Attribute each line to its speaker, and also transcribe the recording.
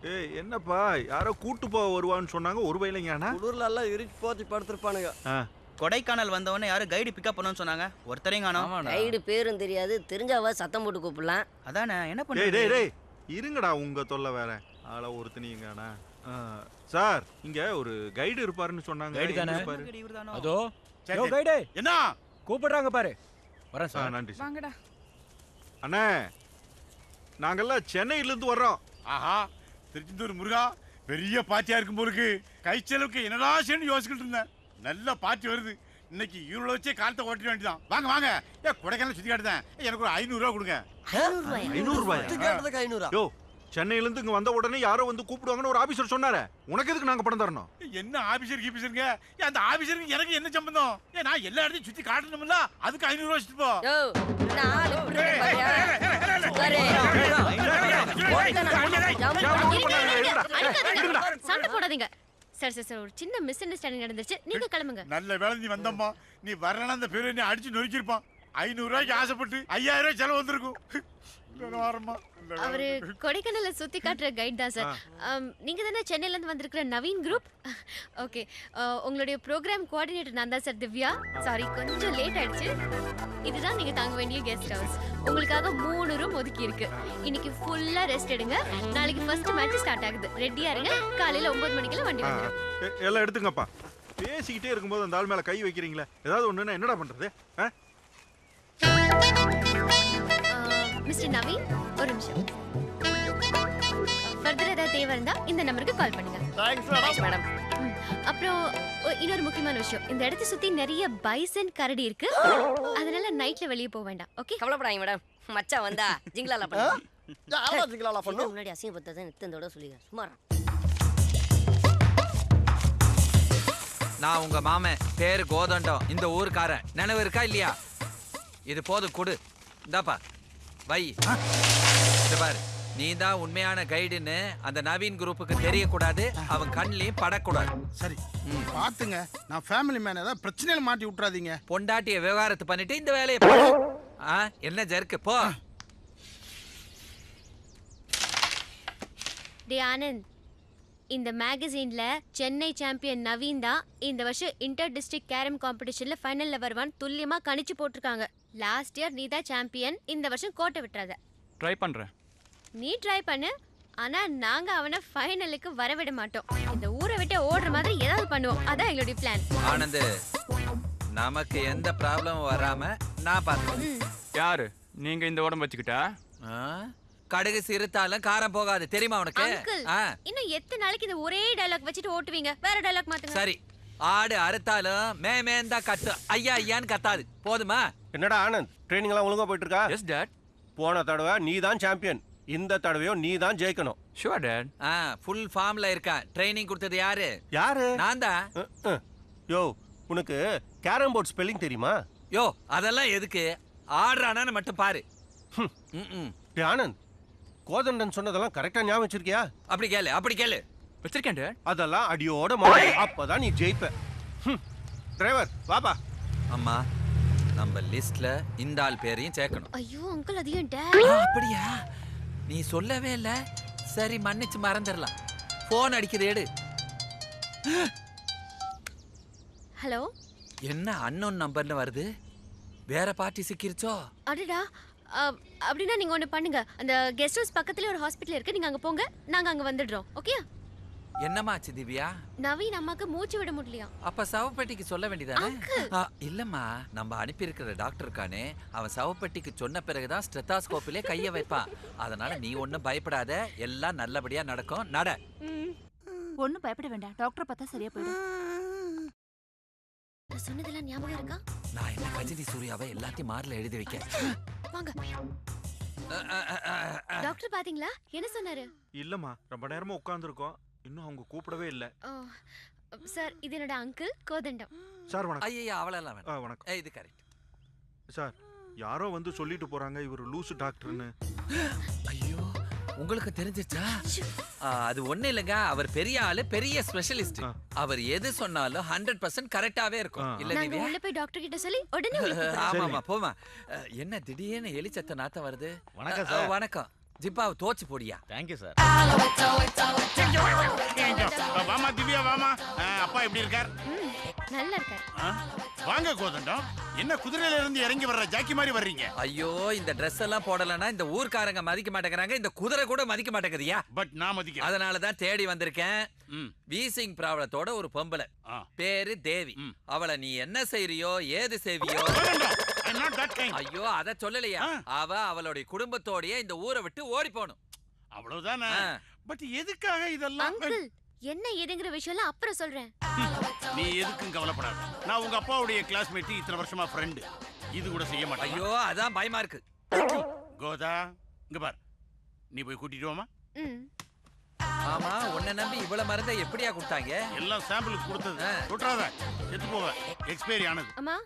Speaker 1: ஏய் என்னப்பா யாரோ கூட்டு போக வருவான்னு சொன்னாங்க ஒரு வயலைங்கண்ணா.
Speaker 2: குளிர்ல எல்லாம் இறுக்கி போத்தி படுத்திருப்பானுங்க.
Speaker 3: கொடைக்கானல் வந்தவொடனே யாரும் கைடு பிக்கப் பண்ணணும்னு சொன்னாங்க. ஒருத்தரையும் காணோம்.
Speaker 4: கைடு பேரும் தெரியாது, தெரிஞ்சாவா சத்தம் போட்டு கூப்பிடலாம்.
Speaker 3: அதானே என்ன
Speaker 1: டேய் டேய்
Speaker 3: பண்ணுறீங்க?
Speaker 1: டேய் இருங்கடா, உங்க தொல்லை வேற. ஆள ஒருத்தனீங்கண்ணா. சார் இங்க ஒரு கைடு இருப்பாருன்னு சொன்னாங்க.
Speaker 5: கைடு தானே?
Speaker 1: எங்க இருப்பாரு?
Speaker 3: இவர்தானோ?
Speaker 5: அதோ யோ கைடே
Speaker 3: என்ன
Speaker 5: கூப்பிடுறாங்க பாரு. வரேன் சார்.
Speaker 1: நன்றி சார்.
Speaker 6: வாங்கடா.
Speaker 1: அண்ணே நாங்கெல்லாம் சென்னையில இருந்து வர்றோம்.
Speaker 7: ஆஹா, திருச்செந்தூர் முருகா பெரிய பார்ட்டியா இருக்கும் போலுக்கு. கை செலவுக்கு என்னடா செய்யணும் யோசிச்சுட்டு இருந்தேன். நல்ல பார்ட்டி வருது. இன்னைக்கு இவரோட வச்சே காலத்தை ஓட்டிட வேண்டியதான். வாங்க வாங்க, ஏன் கொடைக்கானல் சுத்தி காட்டுதேன். எனக்கு ஒரு 500 ரூபா கொடுங்க.
Speaker 1: 500 ரூபாயா?
Speaker 2: கேட்டதுக்கு 500.
Speaker 1: யோ சென்னையில இருந்து இங்க வந்த உடனே யாரோ வந்து கூப்பிடுவாங்கன்னு ஒரு ஆபீசர் சொன்னாரே, உனக்கு எதுக்கு நாங்க பணம் தரணும்?
Speaker 7: என்ன ஆபீசர் கீபீசருங்க? அந்த ஆபீசருக்கு எனக்கு என்ன சம்பந்தம்? ஏன் நான் எல்லா இடத்தையும் சுத்தி காட்டணும்ல, அதுக்கு 500 ரூபா வச்சுட்டு போ.
Speaker 4: யோ நான் ஆளு இப்படி இருக்கேன் பாத்தியா? உட்காரு.
Speaker 8: சண்டை போடாதீங்க சார். சார் சார் ஒரு சின்ன மிஸ் அண்டர்ஸ்டாண்டிங் நடந்துச்சு, நீங்க கிளம்புங்க.
Speaker 7: நல்ல வேலை நீ வந்தம்மா. நீ வரலன்னா அந்த பேரு என்ன அடிச்சு நொறுக்கிருப்பான். 500 ரூபாய்க்கு ஆசைப்பட்டு 5000 ரூபாய் செலவு வந்திருக்கும்.
Speaker 8: அவரு கொடைக்கானல சுத்தி காட்டுற கைட் தான் சார். நீங்க தானே சென்னையில இருந்து வந்திருக்கிற நவீன் குரூப்? ஓகே, உங்களுடைய ப்ரோக்ராம் கோஆர்டினேட்டர் நான் தான் சார், திவ்யா. சாரி கொஞ்சம் லேட் ஆயிடுச்சு. இதுதான் நீங்க தங்க வேண்டிய கெஸ்ட் ஹவுஸ். உங்களுக்காக 3 ரூம் ஒதுக்கி இருக்கு. இன்னைக்கு ஃபுல்லா ரெஸ்ட் எடுங்க. நாளைக்கு ஃபர்ஸ்ட் மேட்ச் ஸ்டார்ட் ஆகுது. ரெடியா இருங்க. காலையில 9 மணிக்கெல்லாம் வண்டி வந்துடும்.
Speaker 1: எல்லாம் எடுத்துங்கப்பா. பேசிக்கிட்டே இருக்கும்போது அந்த ஆள் மேல கை வைக்கிறீங்களே, ஏதாவது ஒண்ணுன்னா என்னடா பண்றது?
Speaker 8: மிஸ்டர் நவீன் ஒரு நிமிஷம். ஃபர்தர் ஏதாவது தேவை இருந்தா இந்த நம்பருக்கு கால் பண்ணுங்க.
Speaker 2: Thanks madam.
Speaker 8: அப்புறம் இன்னொரு முக்கியமான விஷயம், இந்த இடத்தை சுத்தி நிறைய பைசன் கரடி இருக்கு. அதனால நைட்ல வெளியே போக வேண்டாம். ஓகே
Speaker 4: கவலைப்படாதீங்க மேடம். மச்சான் வந்தா ஜிங்கலால பண்ணுங்க.
Speaker 2: யாரா ஜிங்கலால பண்ணு?
Speaker 4: முன்னாடி அசிங்கப்பட்டதை நித்தந்தோட சொல்லிடுறேன். சும்மா
Speaker 9: நான் உங்க மாமன், பேரு கோதண்டம், இந்த ஊருக்காரன். நினைவு இருக்கா இல்லையா? இது போதும், கொடு. இந்தாப்பா வை. இது பாரு, நீ தான் உண்மையான கைடுன்னு அந்த நவீன் குரூப்புக்கு தெரியக்கூடாது, அவன் கண்ணிலையும் படக்கூடாது.
Speaker 10: சரி பாத்துங்க, நான் ஃபேமிலி மேன், ஏதாவது பிரச்சனையில மாட்டி விட்டுறாதீங்க.
Speaker 9: பொண்டாட்டிய விவகாரத்தை பண்ணிட்டு இந்த வேலையை பாரு. என்ன ஜர்க்கு போ.
Speaker 8: டே ஆனந்த், இந்த மேகசின்ல சென்னை சாம்பியன் நவீன் தான் இந்த வருஷம் இன்டர் டிஸ்ட்ரிக்ட் கேரம் காம்படிஷன்ல ஃபைனல்ல வருவான்னு துல்லியமா கணிச்சு போட்டிருக்காங்க. லாஸ்ட் இயர் நீ தான் சாம்பியன். இந்த வருஷம் கோட்டை விட்டுறாத.
Speaker 5: ட்ரை பண்றேன்.
Speaker 8: நீ ட்ரை பண்ணு, ஆனா நாங்க அவனை ஃபைனலுக்கு வரவிட மாட்டோம். இந்த ஊரை விட்டு ஓடுற மாதிரி ஏதாவது பண்ணுவோம். அதான் எங்களுடைய பிளான்.
Speaker 9: ஆனந்த், நமக்கு எந்த ப்ராப்ளமும் வராம நான் பார்த்துக்கிறேன்.
Speaker 5: யாரு நீங்க இந்த உடம்பு வச்சுக்கிட்டா?
Speaker 9: கடுகு சிறுத்தாலும் காரம் போகாது, தெரியுமா உனக்கு?
Speaker 8: அங்கிள், இன்னும் எத்தனை நாளைக்கு இந்த ஒரே டயலாக் வச்சுட்டு ஓட்டுவீங்க? வேற டயலாக் மாத்துங்க.
Speaker 9: சரி, ஆடு அறுத்தாலும் மேமேந்தா கத்து, ஐயா ஐயான்னு கத்தாது, போதுமா?
Speaker 11: என்னடா ஆனந்த், ட்ரைனிங் எல்லாம் ஒழுங்கா போயிட்டு இருக்கா?
Speaker 5: Yes dad.
Speaker 11: போன தடவை நீ தான் சாம்பியன், இந்த தடவையும் நீ தான் ஜெயிக்கணும்.
Speaker 5: Sure dot.
Speaker 9: ஃபுல் ஃபார்ம்ல இருக்கான். ட்ரைனிங் கொடுத்தது யாரு?
Speaker 11: யாரு?
Speaker 9: நான் தான்.
Speaker 11: யோ, உனக்கு கேரம் போர்ட் ஸ்பெல்லிங் தெரியுமா?
Speaker 9: யோ, அதெல்லாம் எதுக்கு? ஆடுறானான்னு மட்டும் பாரு.
Speaker 11: ஆனந்த், கோதண்டன் சொன்னதெல்லாம் கரெக்டா ஞாபகம் வச்சிருக்கியா?
Speaker 9: அப்படி கேளு, அப்படி கேளு.
Speaker 5: வச்சிருக்கேன் டாட்.
Speaker 11: அதெல்லாம் அடியோட மாறு, அப்பதான் நீ ஜெயிப்ப. டிரைவர் வாப்பா.
Speaker 9: அம்மா, நம்ம லிஸ்ட்ல இந்த ஆள் பேரையும் சேர்க்கணும்.
Speaker 8: ஐயோ அங்கிள், அது ஏன்
Speaker 9: அப்படியா? நீ சொல்லவே இல்ல. சரி, மன்னிச்சு மறந்துடலாம். போன் அடிக்குது, எடு.
Speaker 8: ஹலோ.
Speaker 9: என்ன அன்னோன் நம்பர்னு வருது? வேற பார்ட்டி சிக்கிருச்சோ?
Speaker 8: அடடா, அப்படின்னா நீங்க ஒண்ணு பண்ணுங்க. அந்த கெஸ்ட் ஹவுஸ் பக்கத்துல ஒரு ஹாஸ்பிடல் இருக்கு, நீங்க அங்க போங்க. நாங்க அங்க வந்துடுறோம். ஓகே?
Speaker 9: என்னமாச்சு திவ்யா?
Speaker 8: நவீன் அம்மாக்கு மூச்சு விட முடியலையா?
Speaker 9: அப்ப சவப்பெட்டிக்கு சொல்ல வேண்டியதானே? இல்லம்மா, நம்ம அனுப்பி இருக்கிற டாக்டர் இருக்கானே, அவன் சவப்பெட்டிக்கு சொன்ன பிறகுதான் ஸ்டெத்தாஸ்கோப்பிலே கைய வைப்பான். அதனால நீ ஒன்னும் பயப்படாத, எல்லாம் நல்லபடியா நடக்கும். நட.
Speaker 6: ஒண்ணும் பயப்பட வேண்டாம், டாக்டர் பார்த்தா சரியா போயிடும்.
Speaker 8: சொன்னதெல்லாம் ஞாபகம் இருக்கா?
Speaker 9: நான் என்ன கஜினி சூர்யாவை எல்லாத்தையும் மார்ல எழுதி வைக்க.
Speaker 8: வாங்க. டாக்டர் பாத்தீங்களா? என்ன சொன்னாரு?
Speaker 1: இல்லம்மா, ரொம்ப நேரமா உட்கார்ந்துருக்கோம், இன்னும் அவங்க கூப்பிடவே இல்ல.
Speaker 8: சார், இது என்னோட அங்கிள் கோதண்டம்.
Speaker 1: சார் வணக்கம்.
Speaker 9: ஐயா, அவளெல்லாம் வேண்டாம்.
Speaker 1: வணக்கம்.
Speaker 9: இது கரெக்ட்.
Speaker 1: சார், யாரோ வந்து சொல்லிட்டு போறாங்க இவர் லூசு டாக்டர்னு.
Speaker 9: ஐயோ, உங்களுக்கு தெரிஞ்சிச்சா? அது ஒண்ணு இல்லங்க, அவர் பெரிய ஆளு, பெரிய ஸ்பெஷலிஸ்ட். அவர் எது சொன்னாலும் 100% கரெக்டாவே இருக்கும். இல்ல
Speaker 8: நாங்க
Speaker 9: திவ்யா?
Speaker 8: உள்ள போய் டாக்டர் கிட்ட சொல்லி உடனே
Speaker 9: ஆமாமா, போமா. என்ன திடீர்னு எலிச்சத்த நாத்த வருது?
Speaker 10: வணக்கம் சார்.
Speaker 9: வணக்கம். ஜிப்பாவை தோச்சு போடியா.
Speaker 3: Thank you sir.
Speaker 7: வாமா திவ்யா வாமா. அப்பா எப்படி இருக்கார்?
Speaker 8: நல்லா இருக்காரு.
Speaker 7: வாங்க கோதண்டம். என்ன குதிரையில இருந்து இறங்கி வர்ற ஜாக்கி மாதிரி வர்றீங்க?
Speaker 9: ஐயோ இந்த Dress எல்லாம் போடலன்னா இந்த ஊர்க்காரங்க மதிக்க மாட்டேங்கிறாங்க, இந்த குதிரை கூட மதிக்க மாட்டேங்குதியா.
Speaker 7: பட் நான் மதிக்கிறேன்.
Speaker 9: அதனாலதான் தேடி வந்திருக்கேன். வீசிங் ப்ராப்ளத்தோட ஒரு பொம்பளை, பேரு தேவி. அவளை நீ என்ன செய்றியோ ஏது செய்வியோ. ஐயோ அத சொல்லலையா, அவ அவளுடைய குடும்பத்தோடயே இந்த ஊரை விட்டு ஓடி போகணும்.
Speaker 7: அவ்வளவுதானே. பட் எதுக்காக இதெல்லாம்?
Speaker 8: அங்கிள் என்ன ஏதுங்கிற விஷயம்லாம் அப்புறம் சொல்றேன்.
Speaker 7: நீ எதுக்கும் கவலைப்படாத. நான் உங்க அப்பாவுடைய கிளாஸ்மேட், இத்தனை வருஷமா ஃப்ரெண்டு. இது கூட செய்ய மாட்டேன்.
Speaker 9: ஐயோ அதான் பயமா இருக்கு.
Speaker 7: கோதா இங்க பார், நீ போய் கூட்டிட்டு வாமா.
Speaker 9: ஆமா உன்னை நம்பி இவ்வளவு மருந்தை எப்படியா கொடுத்தாங்க?
Speaker 7: எல்லாம் சாம்பிளுக்கு கொடுத்தது. தொட்டாத செத்து போவ, எக்ஸ்பைரி ஆனது.
Speaker 8: அம்மா